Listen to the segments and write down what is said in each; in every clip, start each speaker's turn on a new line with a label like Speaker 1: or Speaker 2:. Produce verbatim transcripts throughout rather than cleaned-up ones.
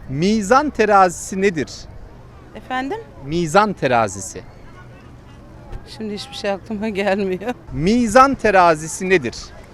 Speaker 1: Mizan terazisi nedir?
Speaker 2: Efendim?
Speaker 1: Mizan terazisi.
Speaker 2: Şimdi hiçbir şey aklıma gelmiyor.
Speaker 1: Mizan terazisi nedir?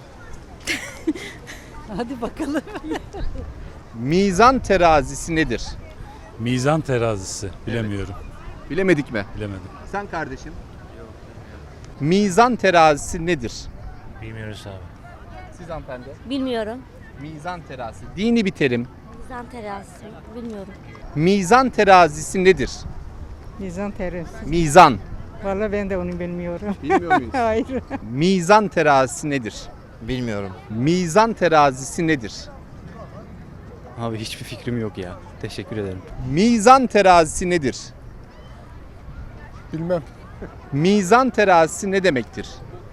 Speaker 2: Hadi bakalım.
Speaker 1: Mizan terazisi nedir?
Speaker 3: Mizan terazisi. Bilemiyorum.
Speaker 1: Bilemedik mi?
Speaker 3: Bilemedim.
Speaker 1: Sen kardeşim. Mizan terazisi nedir?
Speaker 3: Bilmiyoruz abi.
Speaker 1: Siz hanımefendi.
Speaker 4: Bilmiyorum.
Speaker 1: Mizan terazisi. Dini bir terim.
Speaker 4: Mizan terazisi. Bilmiyorum.
Speaker 1: Mizan terazisi nedir?
Speaker 5: Mizan terası.
Speaker 1: Mizan.
Speaker 5: Vallahi ben de onu bilmiyorum.
Speaker 1: Bilmiyor muyuz?
Speaker 5: Hayır.
Speaker 1: Mizan terazisi nedir?
Speaker 6: Bilmiyorum.
Speaker 1: Mizan terazisi nedir?
Speaker 6: Abi hiçbir fikrim yok ya. Teşekkür ederim.
Speaker 1: Mizan terazisi nedir?
Speaker 7: Bilmem.
Speaker 1: Mizan terazisi ne demektir?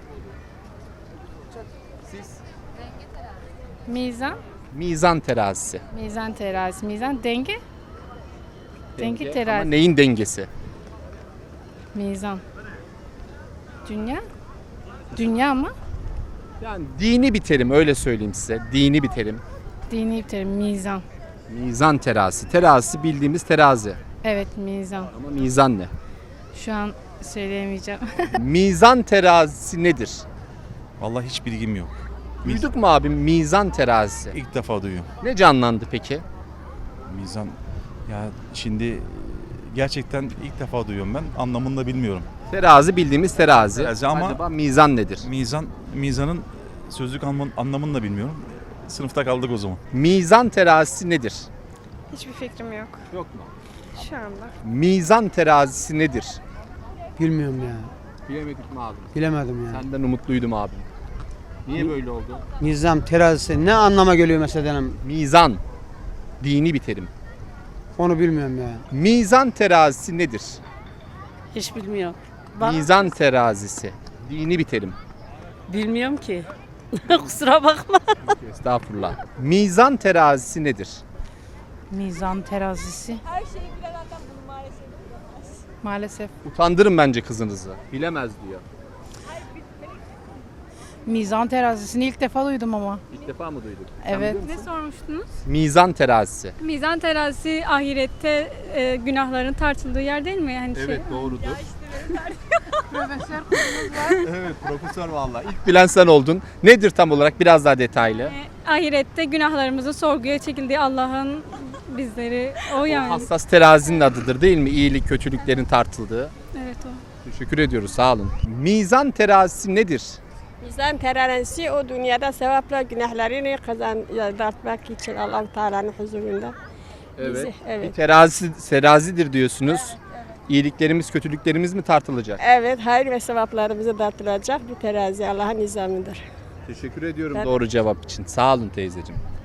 Speaker 8: Mizan,
Speaker 1: Mizan terazisi.
Speaker 8: mizan terazisi, mizan denge, denge,
Speaker 1: Ama
Speaker 8: terazi,
Speaker 1: neyin dengesi?
Speaker 8: mizan. Dünya, dünya mı?
Speaker 1: Yani dini bir terim, öyle söyleyeyim size. Dini bir terim.
Speaker 8: Dini bir terim, mizan.
Speaker 1: Mizan terazisi. Terazisi bildiğimiz terazi.
Speaker 8: Evet, mizan.
Speaker 1: Ama mizan ne?
Speaker 8: Şu an söyleyemeyeceğim.
Speaker 1: Mizan terazisi nedir?
Speaker 9: Vallahi hiç bilgim yok.
Speaker 1: Duyduk mu abi mizan terazisi?
Speaker 9: İlk defa duyuyorum.
Speaker 1: Ne canlandı peki?
Speaker 9: Mizan ya şimdi gerçekten ilk defa duyuyorum ben. Anlamını da bilmiyorum.
Speaker 1: Terazi bildiğimiz terazi.
Speaker 9: Terazi ama-
Speaker 1: Acaba mizan nedir?
Speaker 9: Mizan mizanın sözlük anlamını, anlamını da bilmiyorum. Sınıfta kaldık o zaman.
Speaker 1: Mizan terazisi nedir?
Speaker 10: Hiçbir fikrim yok
Speaker 1: Yok mu?
Speaker 10: şu anda.
Speaker 1: Mizan terazisi nedir?
Speaker 11: Bilmiyorum ya.
Speaker 1: Bilemedik mi abi?
Speaker 11: Bilemedim ya.
Speaker 1: Senden umutluydum abi. Niye böyle oldu?
Speaker 11: Nizam terazisi ne anlama geliyor mesela?
Speaker 1: Mizan. Dini bir terim.
Speaker 11: Onu bilmiyorum ya.
Speaker 1: Mizan terazisi nedir?
Speaker 2: Hiç bilmiyorum.
Speaker 1: Mizan terazisi. Dini bir terim.
Speaker 2: Bilmiyorum ki. Kusura bakma.
Speaker 1: Estağfurullah. Mizan terazisi nedir?
Speaker 8: Mizan terazisi. Her şeyi bilen adam bunu maalesef Maalesef.
Speaker 1: Utandırın bence kızınızı. Bilemez diyor.
Speaker 8: Mizan terazisini ilk defa duydum ama.
Speaker 1: İlk defa mı duyduk?
Speaker 8: Evet.
Speaker 10: Ne sormuştunuz?
Speaker 1: Mizan terazisi.
Speaker 10: Mizan terazisi ahirette e, günahların tartıldığı yer değil mi? Yani şey,
Speaker 1: doğrudur. Evet profesör vallahi. İlk bilen sen oldun. Nedir tam olarak biraz daha detaylı?
Speaker 10: e, ahirette günahlarımızın sorguya çekildiği Allah'ın bizleri o yani.
Speaker 1: Hassas terazinin adıdır değil mi? İyilik kötülüklerin tartıldığı.
Speaker 10: Evet o.
Speaker 1: Teşekkür ediyoruz sağ olun. Mizan terazisi nedir?
Speaker 12: Mizan terazisi o dünyada sevapla günahlarını kazanmak için Allah-u Teala'nın huzurunda. Bizi,
Speaker 1: Bir
Speaker 12: evet.
Speaker 1: terazi, terazidir diyorsunuz. İyiliklerimiz kötülüklerimiz mi tartılacak?
Speaker 12: Evet, hayır ve sevaplarımızı dağıtılacak bir terazi Allah'ın nizamıdır.
Speaker 1: Teşekkür ediyorum
Speaker 12: Ben-
Speaker 1: doğru cevap için. Sağ olun teyzeciğim.